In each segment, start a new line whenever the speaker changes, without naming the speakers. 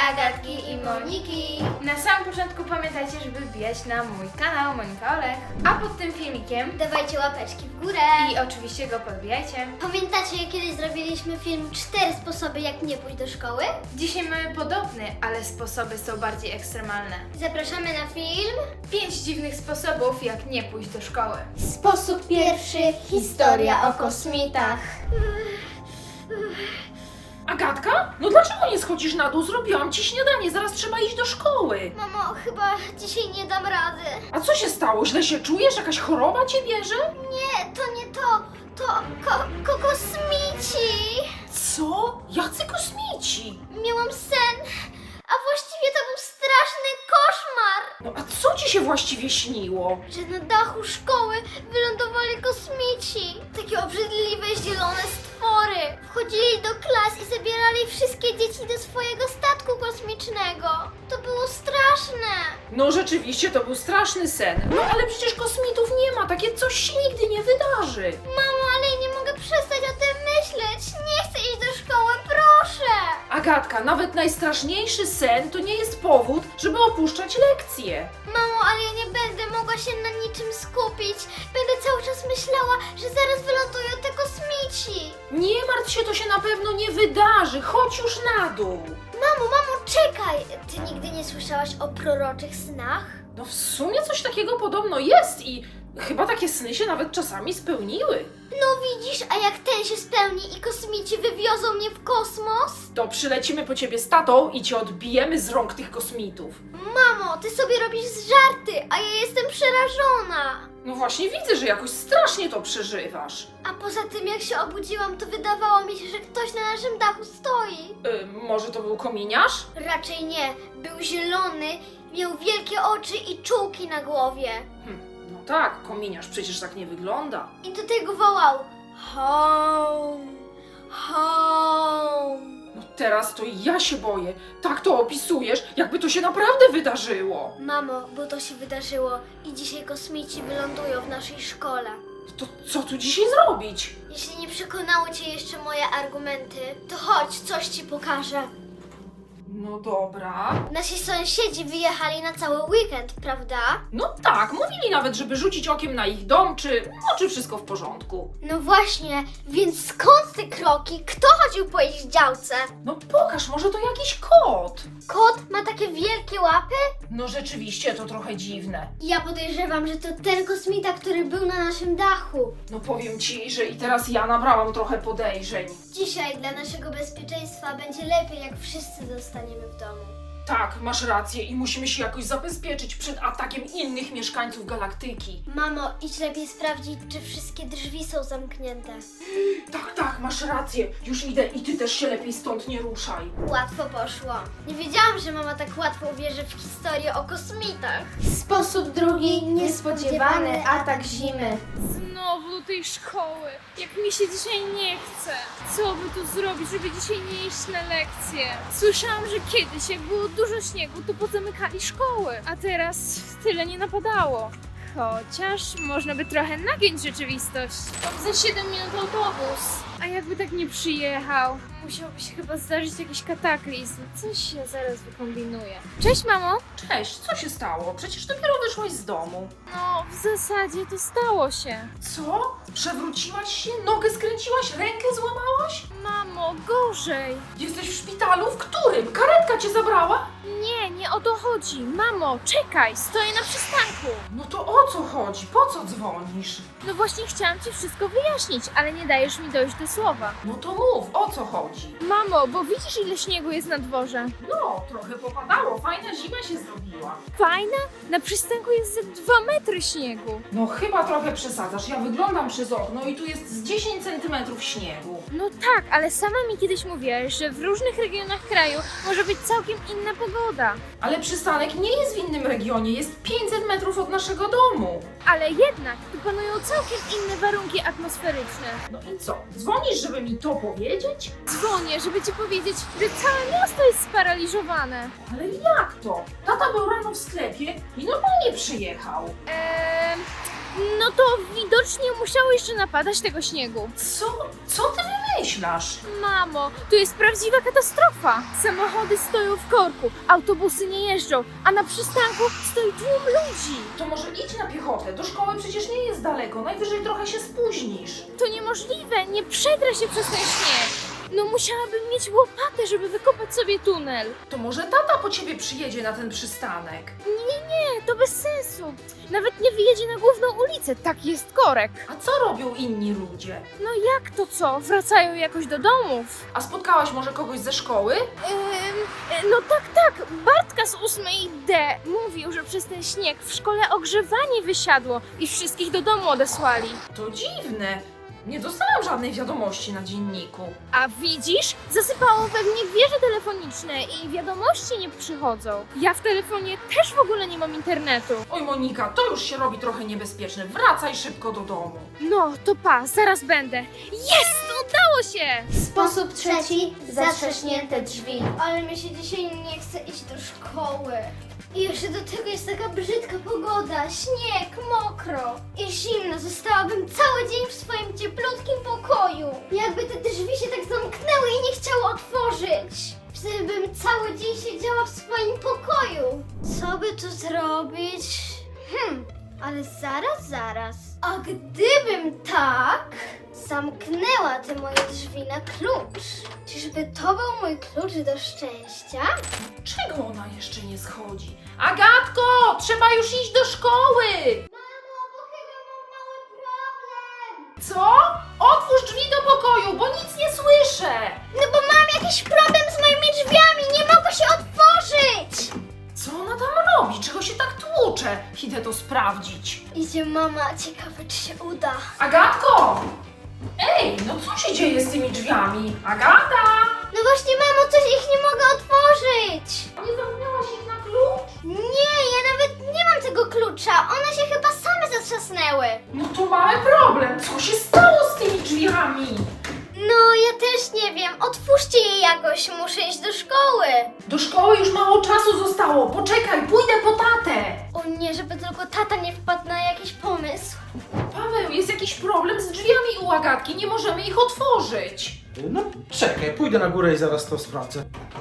Agatki i Moniki.
Na samym początku pamiętajcie, żeby wbijać na mój kanał Monika Olech, a pod tym filmikiem
Dawajcie łapeczki w górę.
i oczywiście go podbijajcie.
Pamiętacie, jak kiedyś zrobiliśmy film 4 sposoby, jak nie pójść do szkoły?
Dzisiaj mamy podobny, ale sposoby są bardziej ekstremalne.
Zapraszamy na film.
5 dziwnych sposobów, jak nie pójść do szkoły.
Sposób pierwszy. Historia o kosmitach.
Agatka? No dlaczego nie schodzisz na dół? Zrobiłam ci śniadanie, zaraz trzeba iść do szkoły.
Mamo, chyba dzisiaj nie dam rady.
A co się stało? Źle się czujesz? Jakaś choroba cię bierze?
Nie, to nie to. To kosmici.
Co? Jacy kosmici?
Miałam sen, a właściwie to był straszny koszmar.
No a co ci się właściwie śniło?
Że na dachu szkoły wylądowali kosmici. Takie obrzydliwe, zielone stwory. Wchodzili do klas i zabierali wszystkie dzieci do swojego statku kosmicznego. To było straszne.
No rzeczywiście, to był straszny sen. No ale przecież kosmitów nie ma, takie coś się nigdy nie wydarzy.
Mamo, ale ja nie mogę przestać o tym myśleć. Nie chcę iść do szkoły, proszę.
Agatka, nawet najstraszniejszy sen to nie jest powód, żeby opuszczać lekcje.
Mamo, ale ja nie będę mogła się na niczym skupić. Będę cały czas myślała, że zaraz wylądują te kosmici.
Nie martw się, to się na pewno nie wydarzy. Chodź już na dół.
Mamo, czekaj! Ty nigdy nie słyszałaś o proroczych snach?
No w sumie coś takiego podobno jest i chyba takie sny się nawet czasami spełniły.
No widzisz, a jak ten się spełni i kosmici wywiozą mnie w kosmos?
To przylecimy po ciebie z tatą i cię odbijemy z rąk tych kosmitów.
Mamo, ty sobie robisz żarty, a ja jestem przerażona.
No właśnie widzę, że jakoś strasznie to przeżywasz.
A poza tym, jak się obudziłam, to wydawało mi się, że ktoś na naszym dachu stoi.
Może to był kominiarz?
Raczej nie. Był zielony, miał wielkie oczy i czułki na głowie.
No tak, kominiarz przecież tak nie wygląda.
I do tego wołał: home, home.
No teraz to ja się boję. Tak to opisujesz, jakby to się naprawdę wydarzyło.
Mamo, bo to się wydarzyło i dzisiaj kosmici wylądują w naszej szkole.
To co tu dzisiaj zrobić?
Jeśli nie przekonały cię jeszcze moje argumenty, to chodź, coś ci pokażę.
No dobra.
Nasi sąsiedzi wyjechali na cały weekend, prawda?
No tak, mówili nawet, żeby rzucić okiem na ich dom, czy wszystko w porządku.
No właśnie, więc skąd te kroki? Kto chodził po ich działce?
No pokaż, może to jakiś kot.
Kot ma takie wielkie łapy?
No rzeczywiście, to trochę dziwne.
Ja podejrzewam, że to ten kosmita, który był na naszym dachu.
No powiem ci, że i teraz ja nabrałam trochę podejrzeń.
Dzisiaj dla naszego bezpieczeństwa będzie lepiej, jak wszyscy zostaniemy w domu.
Tak, masz rację i musimy się jakoś zabezpieczyć przed atakiem innych mieszkańców galaktyki.
Mamo, idź lepiej sprawdzić, czy wszystkie drzwi są zamknięte.
Tak, masz rację. Już idę i ty też się lepiej stąd nie ruszaj.
Łatwo poszło. Nie wiedziałam, że mama tak łatwo uwierzy w historię o kosmitach.
Sposób drugi, niespodziewany atak zimy.
Znowu do tej szkoły. Jak mi się dzisiaj nie chce. Co by tu zrobić, żeby dzisiaj nie iść na lekcje? Słyszałam, że kiedyś, jak było dużo śniegu, to pozamykali szkoły. A teraz tyle nie napadało. Chociaż można by trochę nagiąć rzeczywistość. Mam za 7 minut autobus. A jakby tak nie przyjechał? Musiałby się chyba zdarzyć jakiś kataklizm. Coś się zaraz wykombinuje. Cześć, mamo!
Cześć, co się stało? Przecież dopiero wyszłaś z domu.
No, w zasadzie to stało się.
Co? Przewróciłaś się? Nogę skręciłaś? Rękę złamałaś?
Mamo, gorzej!
Jesteś w szpitalu? W którym? Karetka cię zabrała?
Nie o to chodzi. Mamo, czekaj, stoję na przystanku.
No to o co chodzi? Po co dzwonisz?
No właśnie chciałam ci wszystko wyjaśnić, ale nie dajesz mi dojść do słowa.
No to mów, o co chodzi?
Mamo, bo widzisz ile śniegu jest na dworze?
No, trochę popadało, fajna zima się zrobiła.
Fajna? Na przystanku jest ze 2 metry śniegu.
No chyba trochę przesadzasz, ja wyglądam przez okno i tu jest z 10 centymetrów śniegu.
No tak, ale sama mi kiedyś mówiłaś, że w różnych regionach kraju może być całkiem inna pogoda.
Ale przystanek nie jest w innym regionie, jest 500 metrów od naszego domu.
Ale jednak tu panują całkiem inne warunki atmosferyczne.
No i co? Dzwonisz, żeby mi to powiedzieć?
Dzwonię, żeby ci powiedzieć, że całe miasto jest sparaliżowane.
Ale jak to? Tata był rano w sklepie i normalnie przyjechał.
No to widocznie musiało jeszcze napadać tego śniegu.
Co ty wymyślasz?
Mamo, to jest prawdziwa katastrofa. Samochody stoją w korku, autobusy nie jeżdżą, a na przystanku stoi tłum ludzi.
To może idź na piechotę, do szkoły przecież nie jest daleko, najwyżej trochę się spóźnisz.
To niemożliwe, nie przedrę się przez ten śnieg. No musiałabym mieć łopatę, żeby wykopać sobie tunel.
To może tata po ciebie przyjedzie na ten przystanek.
Nie, to bez sensu. Nawet nie wyjedzie na główną ulicę, taki jest korek.
A co robią inni ludzie?
No jak to co? Wracają jakoś do domów?
A spotkałaś może kogoś ze szkoły?
No tak, Bartka z 8D mówił, że przez ten śnieg w szkole ogrzewanie wysiadło i wszystkich do domu odesłali.
To dziwne. Nie dostałam żadnej wiadomości na dzienniku.
A widzisz? Zasypało pewnie wieże telefoniczne i wiadomości nie przychodzą. Ja w telefonie też w ogóle nie mam internetu.
Oj Monika, to już się robi trochę niebezpieczne. Wracaj szybko do domu.
No, to pa, zaraz będę. Jest! Udało się!
Sposób trzeci. Zatrzaśnięte drzwi. Ale mi się dzisiaj nie chce iść do szkoły. I jeszcze do tego jest taka brzydka pogoda, śnieg, mokro i zimno. Zostałabym cały dzień w swoim cieplutkim pokoju. Jakby te drzwi się tak zamknęły i nie chciały otworzyć. Wtedy bym cały dzień siedziała w swoim pokoju. Co by tu zrobić? Ale zaraz. A gdybym tak zamknęła te moje drzwi na klucz, czyżby to był mój klucz do szczęścia?
Czego ona jeszcze nie schodzi? Agatko, trzeba już iść do szkoły!
Mamo, bo chyba mam mały problem.
Co? Otwórz drzwi do pokoju, bo nic nie słyszę!
No bo mam jakiś problem z moimi drzwiami, nie mogę się otworzyć.
Co ona tam robi? Czego się tak tłucze? Idę to sprawdzić.
Idzie mama, ciekawe czy się uda.
Agatko! Ej, no co się dzieje z tymi drzwiami? Agata!
No właśnie mamo, coś ich nie mogę otworzyć.
Nie zamknęłaś ich na klucz?
Nie, ja nawet nie mam tego klucza, one się chyba same zatrzasnęły.
No to mamy problem. Co się stało z tymi drzwiami?
No, ja też nie wiem, otwórzcie je jakoś, muszę iść do szkoły.
Do szkoły już mało czasu zostało. Poczekaj, pójdę po tatę.
O nie, żeby tylko tata nie wpadł na jakiś pomysł.
Paweł, jest jakiś problem z drzwiami u Agatki. Nie możemy ich otworzyć.
No czekaj, pójdę na górę i zaraz to sprawdzę.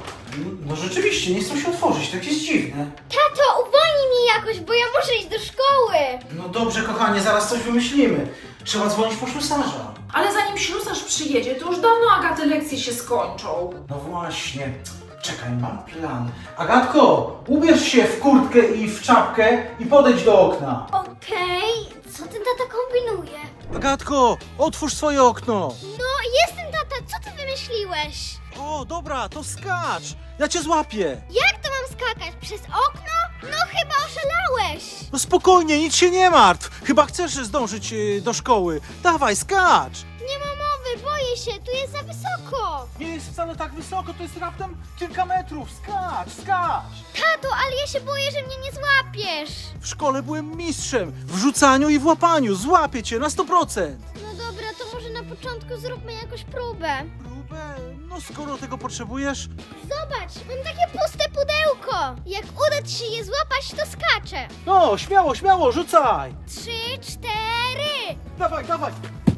No rzeczywiście, nie chcą się otworzyć, tak jest dziwne.
Tato, uwolnij mnie jakoś, bo ja muszę iść do szkoły.
No dobrze, kochanie, zaraz coś wymyślimy. Trzeba dzwonić po ślusarza.
Ale zanim ślusarz przyjedzie, to już dawno Agaty lekcje się skończą.
No właśnie. Czekaj, mam plan. Agatko, ubierz się w kurtkę i w czapkę i podejdź do okna.
Okej, co ten tata kombinuje?
Agatko, otwórz swoje okno!
No, jestem tata, co ty wymyśliłeś?
O, dobra, to skacz! Ja cię złapię!
Jak to mam skakać? Przez okno? No chyba oszalałeś.
No spokojnie, nic się nie martw! Chyba chcesz zdążyć do szkoły. Dawaj, skacz!
Nie ma mowy, boję się, tu jest za wysoko.
Nie jest wcale tak wysoko, to jest raptem kilka metrów. Skacz!
Tato, ale ja się boję, że mnie nie złapiesz.
W szkole byłem mistrzem w rzucaniu i w łapaniu. Złapię cię na 100%.
No dobra, to może na początku zróbmy jakąś próbę.
Próbę? No skoro tego potrzebujesz,
Zobacz, mam takie puste pudełko. Jak uda ci się je złapać, to skaczę.
no śmiało, rzucaj!
3, 4.
Dawaj!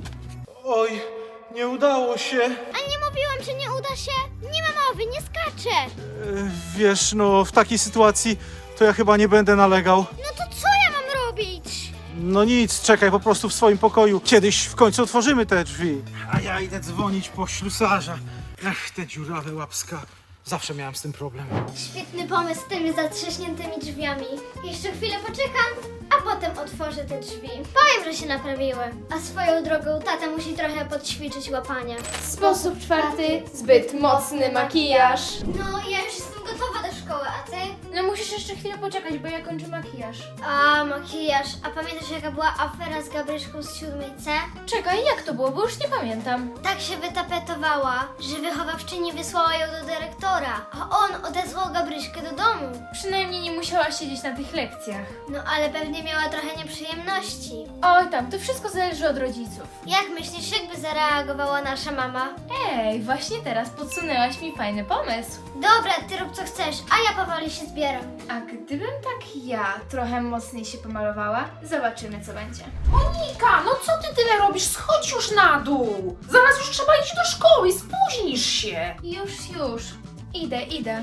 Oj, nie udało się.
A nie mówiłam, że nie uda się? Nie ma mowy, nie skaczę.
Wiesz, no w takiej sytuacji to ja chyba nie będę nalegał.
No to co ja mam robić?
No nic, czekaj po prostu w swoim pokoju. Kiedyś w końcu otworzymy te drzwi.
A ja idę dzwonić po ślusarza. Ach, te dziurawe łapska. Zawsze miałam z tym problem.
Świetny pomysł z tymi zatrzaśniętymi drzwiami. Jeszcze chwilę poczekam, a potem otworzę te drzwi. Powiem, że się naprawiły. A swoją drogą tata musi trochę podćwiczyć łapania.
Sposób czwarty. Zbyt mocny makijaż.
No, ja już jestem gotowa do szkoły, a ty?
No musisz jeszcze chwilę poczekać, bo ja kończę makijaż.
A, makijaż. A pamiętasz, jaka była afera z Gabryszką z 7C?
Czekaj, jak to było, bo już nie pamiętam.
Tak się wytapetowała, że wychowawczyni wysłała ją do dyrektora, a on odesłał Gabryśkę do domu.
Przynajmniej nie musiała siedzieć na tych lekcjach.
No, ale pewnie miała trochę nieprzyjemności.
Oj tam, to wszystko zależy od rodziców.
Jak myślisz, jakby zareagowała nasza mama?
Ej, właśnie teraz podsunęłaś mi fajny pomysł.
Dobra, ty rób co chcesz, a ja powoli się zbieram.
A gdybym tak ja trochę mocniej się pomalowała, zobaczymy co będzie.
Monika, no co ty tyle robisz? Schodź już na dół. Zaraz już trzeba iść do szkoły, spóźnisz się.
Już. Idę.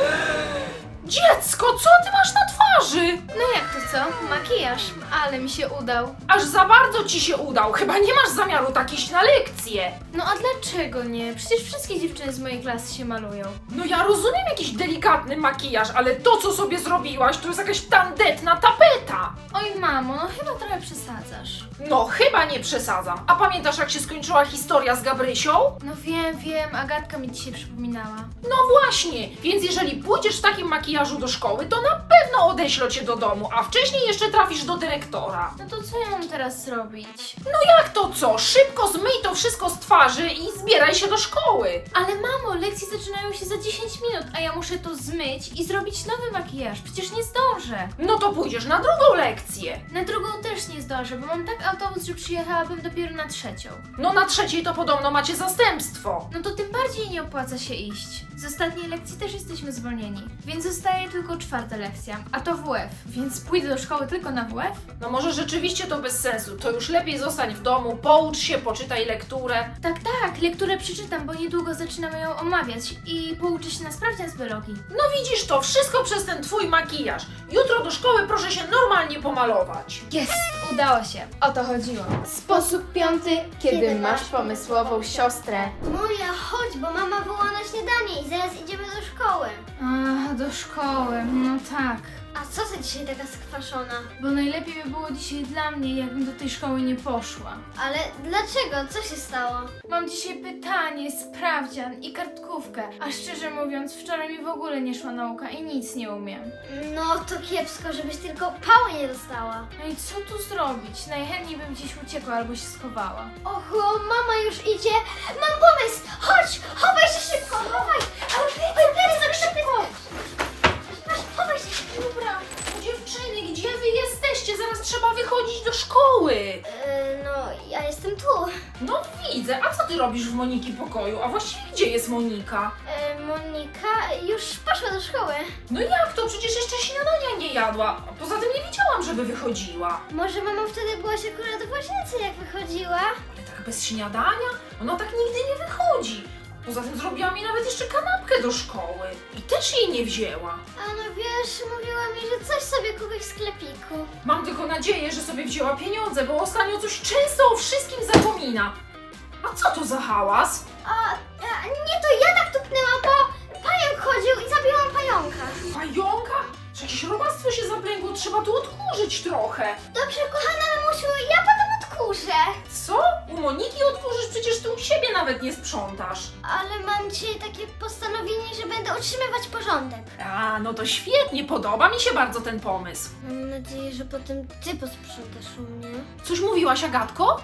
Dziecko, co ty masz na twarzy?
No jak to co? Makijaż, ale mi się udał.
Aż za bardzo ci się udał. Chyba nie masz zamiaru tak iść na lekcję.
No a dlaczego nie? Przecież wszystkie dziewczyny z mojej klasy się malują.
No ja rozumiem jakiś delikatny makijaż, ale to co sobie zrobiłaś to jest jakaś tandetna tapeta.
Oj mamo, no chyba trochę przesadzasz.
No chyba nie przesadzam. A pamiętasz jak się skończyła historia z Gabrysią?
No wiem, Agatka mi dzisiaj przypominała.
No właśnie, więc jeżeli pójdziesz w takim makijażu do szkoły, to na pewno odeślą cię do domu, a wcześniej jeszcze trafisz do dyrektora.
No to co ja mam teraz zrobić?
No jak to co? Szybko zmyj to wszystko z twarzy i zbieraj się do szkoły.
Ale mamo, lekcje zaczynają się za 10 minut, a ja muszę to zmyć i zrobić nowy makijaż. Przecież nie zdążę.
No to pójdziesz na drugą lekcję.
Na drugą też nie zdążę, bo mam tak autobus, że przyjechałabym dopiero na 3.
No na trzeciej to podobno macie zastępstwo.
No to tym bardziej nie opłaca się iść. Z ostatniej lekcji też jesteśmy zwolnieni, więc zostaje tylko 4. lekcja, a to WF, więc pójdę do szkoły tylko na WF?
No może rzeczywiście to bez sensu. To już lepiej zostań w domu, poucz się, poczytaj lekturę.
Tak, lekturę przeczytam, bo niedługo zaczynamy ją omawiać i pouczę się na sprawdzian z biologii.
No widzisz to, wszystko przez ten twój makijaż. Jutro do szkoły proszę się normalnie pomalować.
Jest! Udało się. O to chodziło. Sposób 5, kiedy masz pomysłową siostrę.
Moja, chodź, bo mama woła na śniadanie i zaraz idziemy do szkoły.
A, do szkoły, no tak.
A co ty dzisiaj taka skwaszona?
Bo najlepiej by było dzisiaj dla mnie, jakbym do tej szkoły nie poszła.
Ale dlaczego? Co się stało?
Mam dzisiaj pytanie, sprawdzian i kartkówkę, a szczerze mówiąc, wczoraj mi w ogóle nie szła nauka i nic nie umiem.
No to kiepsko, żebyś tylko pałę nie dostała.
No i co tu zrobić? Najchętniej bym gdzieś uciekła albo się schowała.
Oho, mama już idzie. Mam pomysł! Chodź! Chowaj się szybko! Chowaj! Ale plecy, szybko! Chowaj się! Dobra.
Dziewczyny, gdzie wy jesteście? Zaraz trzeba wychodzić do szkoły.
No, ja jestem tu.
No widzę, a co ty robisz w Moniki pokoju? A właściwie gdzie jest Monika?
Monika już poszła do szkoły.
No jak to? Przecież jeszcze śniadania nie jadła. A poza tym nie widziałam, żeby wychodziła.
Może mama wtedy byłaś akurat w łazience, jak wychodziła?
Ale tak bez śniadania? Ona tak nigdy nie wychodzi. Poza tym zrobiła mi nawet jeszcze kanapkę do szkoły. I też jej nie wzięła.
A no wiesz, mówiła mi, że coś sobie kupi w sklepiku.
Mam tylko nadzieję, że sobie wzięła pieniądze, bo ostatnio coś często o wszystkim zapomina. A co to za hałas?
Nie, to ja tak tupnęłam, bo pająk chodził i zabiłam pająka.
Pająka? Czy jakieś robactwo się zaplęgło? Trzeba tu odkurzyć trochę.
Dobrze, kochana mamusiu, ja potem odkurzę.
Co? U Moniki odkurzysz? Przecież ty u siebie nawet nie sprzątasz.
Ale mam dzisiaj takie postanowienie, że będę utrzymywać porządek.
A, no to świetnie, podoba mi się bardzo ten pomysł.
Mam nadzieję, że potem ty posprzątasz u mnie.
Coś mówiłaś, Agatko?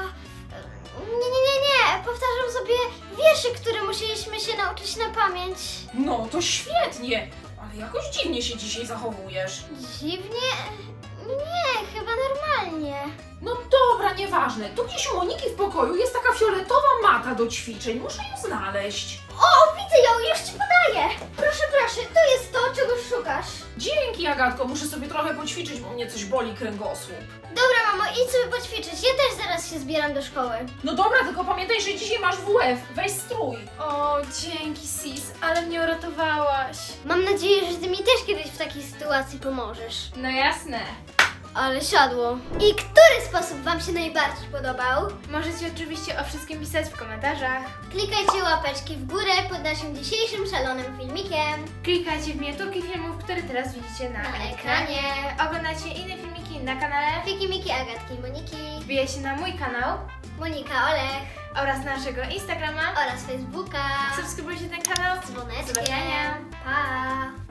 Nie. Powtarzam sobie wierszy, które musieliśmy się nauczyć na pamięć.
No to świetnie, ale jakoś dziwnie się dzisiaj zachowujesz.
Dziwnie? Nie, chyba normalnie.
No dobra, nieważne. Tu gdzieś u Moniki w pokoju jest taka fioletowa mata do ćwiczeń, muszę ją znaleźć.
O, widzę ją, już ci podaję. Proszę, to jest to, czego szukasz.
Dzięki, Agatko, muszę sobie trochę poćwiczyć, bo mnie coś boli kręgosłup.
Dobra, mamo, idź sobie poćwiczyć. Ja też zaraz się zbieram do szkoły.
No dobra, tylko pamiętaj, że dzisiaj masz WF, weź strój.
O, dzięki sis, ale mnie uratowałaś.
Mam nadzieję, że ty mi też kiedyś w takiej sytuacji pomożesz.
No jasne.
Ale siadło. I który sposób wam się najbardziej podobał?
Możecie oczywiście o wszystkim pisać w komentarzach.
Klikajcie łapeczki w górę pod naszym dzisiejszym szalonym filmikiem.
Klikajcie w miniaturki filmów, które teraz widzicie na
Na
ekranie. Oglądajcie inne filmiki na kanale.
Fiki, Miki, Agatki i Moniki,
Wbijajcie na mój kanał
Monika, Olech
oraz naszego Instagrama.
oraz Facebooka.
Subskrybujcie ten kanał.
Dzwoneczkiem.
Do zobaczenia.
Pa!